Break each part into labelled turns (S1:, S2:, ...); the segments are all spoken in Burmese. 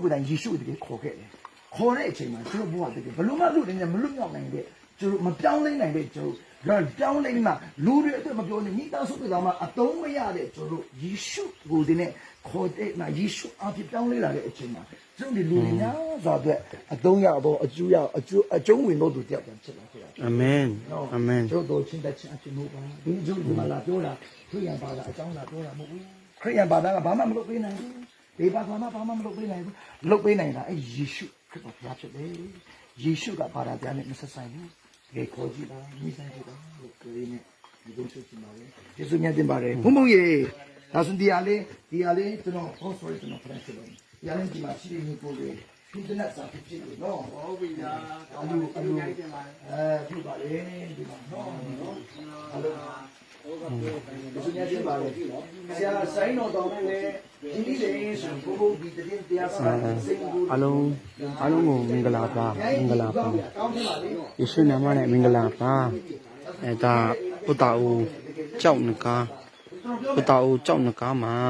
S1: ကိုယ်တိုင်ယေရှုတကယ်ခေါ်ခဲ့တယ်ခေါ်တဲ့အချိန်မှာကျွန်တော်ဘုရားတကယ်ဘလို့မှလူတွေနဲ့မလွတ်မြောက်နိုင်တဲ့ကျွန်တော်မပြောင်းလဲနိုင်တဲ့ကျွန်တော်ပြောင်းလဲမှလူတွေအတွက်မပြောနေမိသားစုတွေတောင်မှအတုံးမရတဲ့ကျွန်တော်ယေရှုကိုဒီနဲ့ခေါ်တဲ့ယေရှုအဖြစ်ပြောင်းလဲလာတဲ့အချိန်မှာကျွန်တော်ဒီလူတွေများစွာအတွက်အတုံးရတော့အကျိုးရအကျုံးဝင်တော့သူတယောက်ပြန်ဖြစ်လာခဲ့တာ
S2: အာမင်အာမင်
S1: ကျွန်တော်ချင်းတဲ့ချင်းအဖြစ်လို့ပါဒီကျုပ်ဒီမှာလာပြောတာခရိယံဘာသာအကြောင်းလာပြောတာမဟုတ်ဘူးခရိယံဘာသာကဘာမှမလုပ်ပေးနိုင်ဘူးဒီဘာသာမှာဘာမှမလုပ်ပေးနိုင်ဘူးလုပ်ပေးနိုင်တာအဲယေရှုခရစ်တော်ဘုရားဖြစ်တယ်ယေရှုကဘာသာပြန်နဲ့မဆက်ဆိုင်ဘူးဒီခေါ်ကြည့်ပါမိဆိုင်ကြည့်ပါလို့ပြောရင်းနဲ့ဒီလိုဆိုချင်ပါလေယေရှုမြတ်တင်ပါတယ်ဘုံဘုံရေဒါဆိုဒီအားလေးကျွန်တော်ဟောဆိုရကျွန်တော်ဖရန့်ဖြစ်လို့ဒီအားလေးဒီမှာရှိနေကိုလေဒီတနက်စာဖြစ်ဖြစ်လို့နော်ဟုတ်ပြီညာအလူပြုပါလေဒီမှာနော်အလူဒီစနေတင်ပါလေဆရာဆိုင်တော်တော်နဲ့ဒီနေ့လေဆိုဘုံဘုံဒီတည်းတရားစာစိတ်ကို
S2: အလုံးကိုမင်္ဂလာပါယေရှုနာမနဲ့မင်္ဂလာပါဒါပုတ္တအိုကြောက်နကားပုတ္တအိုကြောက်နကားမှာ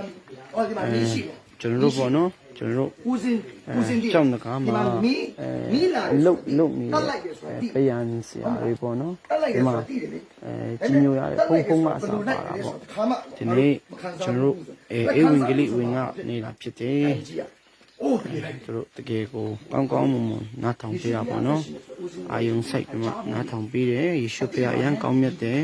S2: ကျွန်တော်တို့ပေါ့နော်ကျွန်တော်တို့ကြောက်နကားမှာလုတ်နေပယံဆရာတွေပေါ့နော်ဒီမှာကြီးညိုရတယ်ဖုံးကအစားပါတာပေါ့ဒီနေ့ကျွန်တော်တို့အေဝံဂေလိဝင်ကနေတာဖြစ်တယ်သူတို့တကယ်ကိုကောင်းမွန်နားထောင်ပြရပါတော့အာယုံဆိုင်ကမှနားထောင်ပြီးတယ်ယေရှုဖခင်အရန်ကောင်းမြတ်တယ်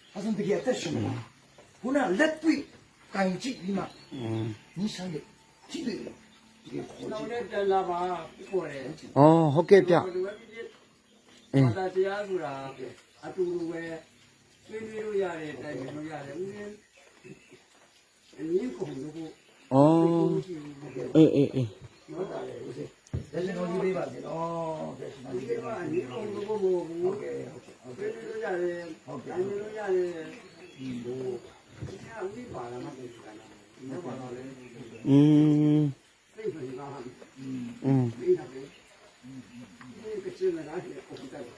S1: ခုနလက်တွေ့တိုင်ကြည့်ဒီမှာနိဆိုင်ရဲ့ကြည့်တယ်
S3: နောက်နဲ့တန်လာပါပေါ်တယ်
S2: ။အော်ဟုတ်ကဲ့ဗျ။
S3: ဘာသာတရားဆိုတာအတူတူပဲဆွေးနွေးလို့ရတယ်တိုင်ပင်လို့ရတယ်ဦးရင်အနည်းကုန်လို့ကို
S2: ။အော်အေး
S1: ဟုတ်တာလေဦးစင်လက်ရှင်တော်ကြီးလေးပါစေနော်ကဲရှင်တော်ကြီးလေးပါ
S3: အနည်းကုန်လို့ကိုဟုတ်ကဲ့ဆွေးနွေးလို့ရတယ်တိုင်ပင်လို့ရတယ်ဒီလိုဒီကဦးဒီပါလာမှသိတာနော်ဘာလို့လဲသိပြီလားဒီကပဲဒီကချင်းလာတယ်ပုံတက်တယ်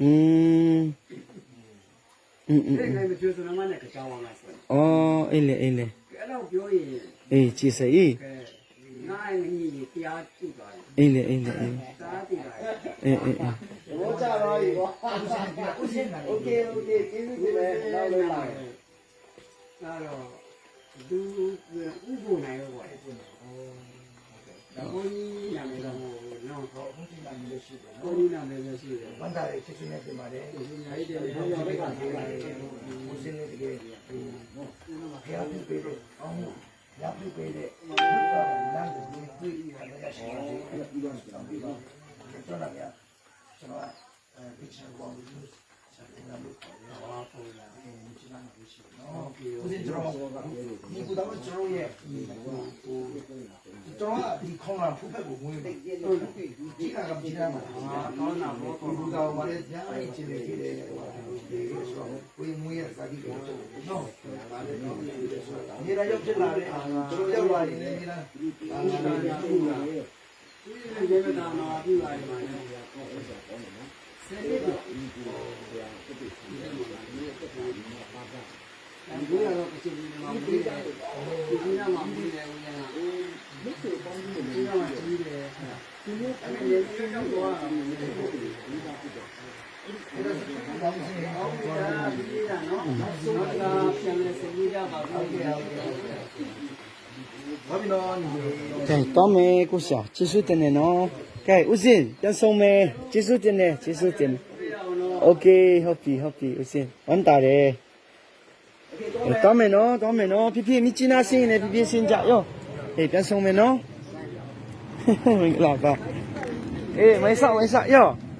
S3: အဲ့မပြောစနမနဲ့ကြောင်းအောင်လားဆို
S2: အော်အေးလေ
S3: အဲ့တော့ပြောရင်
S2: အေးကြည်စေး
S3: နိုင်ကြီးတရားကြည့်သွားတယ်
S2: အေးလေ
S3: တားတည်လာ
S2: အေး
S3: ဘောကြတော့ဒီဘောဦးစင်းโอเคကျေးဇူးတင်တယ်နောက်လေးလာအဲ့တော့သူဥပ္ပနိုင်ရောပေါ့ဒါဘုန်းကြီးနာမည်တော့နော်
S1: ဘုန်းကြီးနာမည်လည်းရှိတယ်
S3: ဘုန်းကြီးနာမည်လည်းရှိတယ်
S1: ဝမ်းသာရေးချစ်ချင်းနဲ့ပြင်ပါတယ်
S3: ဒီနေ့တည်းဘုရားဘက်ကပြောပါတယ်
S1: ဦးစင်းလေးတကယ်ဖျားပြပေးတယ်အောင်းရပြပေးတယ်လမ်းကိုတွေ့ရရှိပါတယ်ပြီးတော့ကျွန်တော်လာရကျွန်တော်ပစ်ချင်ကောင်လို့ဆက်နေတာလို့ခေါ်တယ်ဟာပုံလာဒီနာမည်ရှိတယ်နော်ဦးစင်းကျွန်တော်ဒီကူတော့ကျွန်တော်ရဲ့ကျွန်တော်ဒီခေါင်းလာဖုတ်ဖက်ကိုဝင်တယ်ဒီကကြည့်ရမှာ
S3: ကောင်းတာဘောကောင်း
S1: ဘူးတော့ဘာလဲကြားရချင်းနေတယ်ဒီဆိုကိုယ်မွေးရစာကြည့်တယ်နော်ဒါလည်းတော့နေရာရောက်ဖြစ်လာတယ်ကျွန်တော်ရောက်လာရင်လည်းနေရာ
S3: သူရေမတာမှာပြပါတယ်မှာလည်းဆယ်နှစ်တော့ဒီကတော့ကချင်ပြည်နယ်မှာပြည်တယ်ဒီကမှာပြည်တယ်ဦးရနာဒီဆိုပေါင်းပြီးဒီကမှာကြီးတယ်ဒီလိုအဲ့ဒီရေရောက်တော့ဒီကဖြစ်တယ်အဲ့ဒါဆိုတော့ဘာလို့လဲအော်ဒါဒီကနော်တော့ပြန်လဲစကြီးရပါဘူးဟုတ်ကဲ့
S1: ဘာဖြစ်လို့
S2: ကဲတောင်းမယ်ကိုရှာကျေးဇူးတင်တယ်နော်ကဲဦးစင်ပြန်ဆုံးမယ်ကျေးဇူးတင်တယ်โอเคဟုတ်ပြီဦးစင်ဝန်တာတယ်တောင်းမယ်နော်ဖြည်းမြစ်ချနာစင်းနေဖြည်းစင်းကြရောပြန်ဆုံးမယ်နော်မင်္ဂလာပါအေးဝင်စားရော